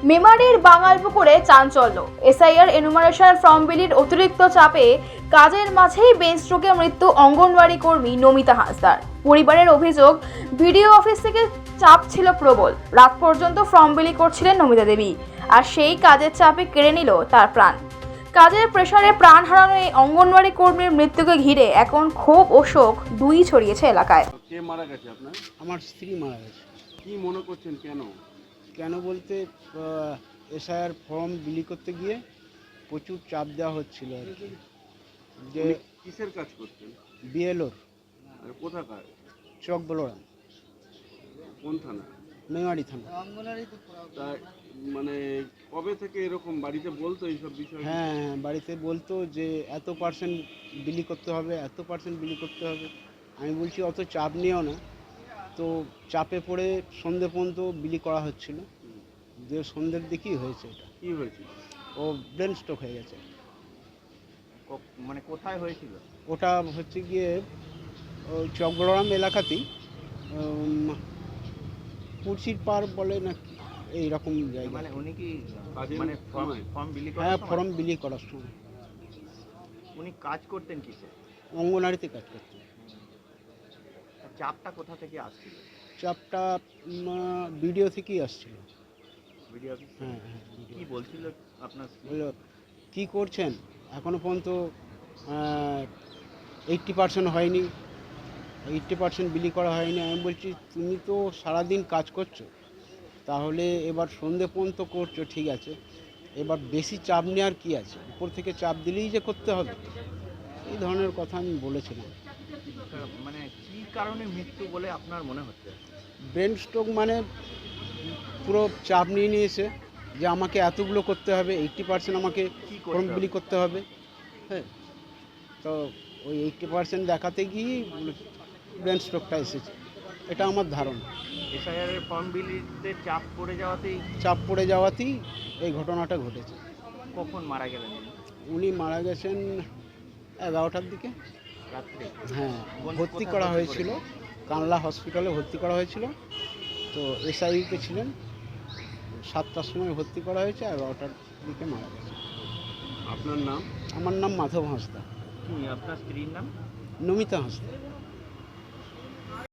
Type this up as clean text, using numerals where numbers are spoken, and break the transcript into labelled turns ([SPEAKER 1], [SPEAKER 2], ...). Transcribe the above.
[SPEAKER 1] মেমারির বাঙালপুকুরে চাঞ্চল্য। SIR enumeration form বিলির অতিরিক্ত চাপে কাজের মাঝেই ব্রেন স্ট্রোকে মৃত্যু অঙ্গনওয়াড়ি কর্মী নমিতা হাঁসদার। পরিবারের অভিযোগ, বিডিও অফিস থেকে চাপ ছিল প্রবল। রাত পর্যন্ত ফর্ম বিলি করছিলেন নমিতা দেবী, আর সেই কাজের চাপে কেড়ে নিল তার প্রাণ। কাজের প্রেসারে প্রাণ হারানো এই অঙ্গনওয়াড়ি কর্মীর মৃত্যুকে ঘিরে এখন ক্ষোভ ও শোক দুই ছড়িয়েছে এলাকায়।
[SPEAKER 2] কে মারা গেছে আপনার?
[SPEAKER 3] আমার স্ত্রী মারা গেছে।
[SPEAKER 2] কি মনে করছেন কেন?
[SPEAKER 3] কেন বলতে এসআইআর ফর্ম বিলি করতে গিয়ে প্রচুর চাপ দেওয়া হচ্ছিল আর কি। যে
[SPEAKER 2] উনি কিসের কাজ করতেন?
[SPEAKER 3] বিএলওর
[SPEAKER 2] আর কোথাকার?
[SPEAKER 3] চক বলরাম,
[SPEAKER 2] কোন থানা?
[SPEAKER 3] মেমারি থানা।
[SPEAKER 2] তা মানে কবে থেকে এরকম বাড়িতে বলতো এইসব বিষয়?
[SPEAKER 3] হ্যাঁ হ্যাঁ, বাড়িতে বলতো যে এত পার্সেন্ট বিলি করতে হবে, এত পার্সেন্ট বিলি করতে হবে। আমি বলছি অত চাপ নিও না। তো চাপে পড়ে সন্ধে পর্যন্ত বিলি করা হচ্ছিল। যে সন্ধ্যের দিকেই হয়েছে এটা।
[SPEAKER 2] কি হয়েছিল?
[SPEAKER 3] ও ব্রেন স্ট্রোক হয়ে গেছে।
[SPEAKER 4] মানে কোথায় হয়েছিল?
[SPEAKER 3] ওটা হচ্ছে গিয়ে ওই চকগড়াম এলাকাতেই, কুর্সির পার বলে না কি এইরকম জায়গা।
[SPEAKER 4] মানে উনি কি
[SPEAKER 2] কাজের
[SPEAKER 4] মানে
[SPEAKER 2] সময়?
[SPEAKER 4] ফর্ম বিলি
[SPEAKER 3] হ্যাঁ,
[SPEAKER 4] করার সময়
[SPEAKER 3] ফর্ম বিলি করার সময়
[SPEAKER 4] উনি কাজ করতেন কিসে?
[SPEAKER 3] অঙ্গনারীতে কাজ করতে।
[SPEAKER 4] চাপটা কোথা থেকে আসছিল?
[SPEAKER 3] চাপটা ভিডিও থেকেই আসছিল।
[SPEAKER 4] Video office?
[SPEAKER 3] হ্যাঁ হ্যাঁ,
[SPEAKER 4] কি বলছিল আপনার স্ত্রী?
[SPEAKER 3] বললো কী করছেন, এখনও পর্যন্ত 80% হয়নি, 80% বিলি করা হয়নি। আমি বলছি তুমি তো সারাদিন কাজ করছো, তাহলে এবার সন্ধে পর্যন্ত করছো ঠিক আছে, এবার বেশি চাপ নেওয়ার কি আছে, উপর থেকে চাপ দিলেই যে করতে হবে, এই ধরনের কথা আমি বলেছিলাম।
[SPEAKER 4] মানে কি কারণে মৃত্যু বলে আপনার মনে হচ্ছে?
[SPEAKER 3] ব্রেন স্ট্রোক মানে পুরো চাপ নিয়ে নিয়েছে যে আমাকে এতগুলো করতে হবে, 80% আমাকে
[SPEAKER 4] কি
[SPEAKER 3] ফর্ম
[SPEAKER 4] করতে
[SPEAKER 3] বিলি
[SPEAKER 4] হবে?
[SPEAKER 3] করতে হবে। হ্যাঁ, তো ওই 80% দেখাতে গিয়েই ব্রেন স্ট্রোকটা এসেছে, এটা আমার ধারণা।
[SPEAKER 4] এসআইআর এর ফর্ম বিলিতে চাপ পড়ে যাওয়াতেই
[SPEAKER 3] চাপ পড়ে যাওয়াতেই এই ঘটনাটা ঘটেছে।
[SPEAKER 4] কখন মারা গেলেন উনি?
[SPEAKER 3] উনি মারা গেছেন 11টার দিকে।
[SPEAKER 4] রাত্রে?
[SPEAKER 3] হ্যাঁ,
[SPEAKER 4] কোথায়
[SPEAKER 3] ভর্তি করা
[SPEAKER 4] ভর্তি
[SPEAKER 3] হয়েছিল, কানলা হসপিটালে ভর্তি করা হয়েছিল। তো এসআইতে ছিলেন, 7টার সময় ভর্তি করা হয়েছে, 11টার দিকে মারা গেছে।
[SPEAKER 2] আপনার নাম?
[SPEAKER 3] আমার নাম মাধব হাঁসদা।
[SPEAKER 4] কি আপনার স্ত্রীর নাম?
[SPEAKER 3] নমিতা হাঁসদা।